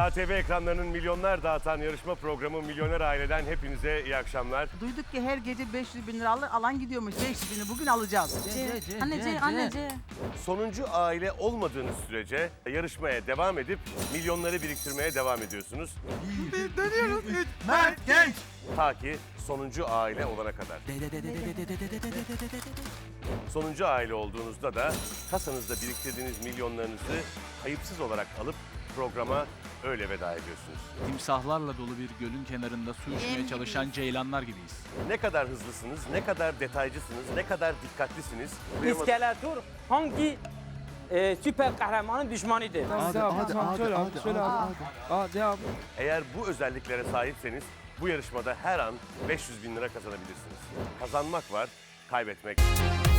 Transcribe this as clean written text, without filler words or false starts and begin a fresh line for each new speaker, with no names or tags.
KTV ekranlarının milyonlar dağıtan yarışma programı Milyoner Aile'den hepinize iyi akşamlar.
Duyduk ki her gece 500 bin lira alan gidiyormuş. 500 bini bugün alacağız.
Anne.
Sonuncu aile olmadığınız sürece yarışmaya devam edip milyonları biriktirmeye devam ediyorsunuz.
Dönüyoruz.
Mert Genç.
Ta ki sonuncu aile olana kadar. Sonuncu aile olduğunuzda da kasanızda biriktirdiğiniz milyonlarınızı kayıpsız olarak alıp programa öyle veda ediyorsunuz.
Timsahlarla dolu bir gölün kenarında su içmeye çalışan ceylanlar gibiyiz.
Ne kadar hızlısınız, ne kadar detaycısınız, ne kadar dikkatlisiniz.
İskeletor hangi süper kahramanın düşmanıdır?
Hadi abi.
Eğer bu özelliklere sahipseniz bu yarışmada her an 500 bin lira kazanabilirsiniz. Kazanmak var, kaybetmek.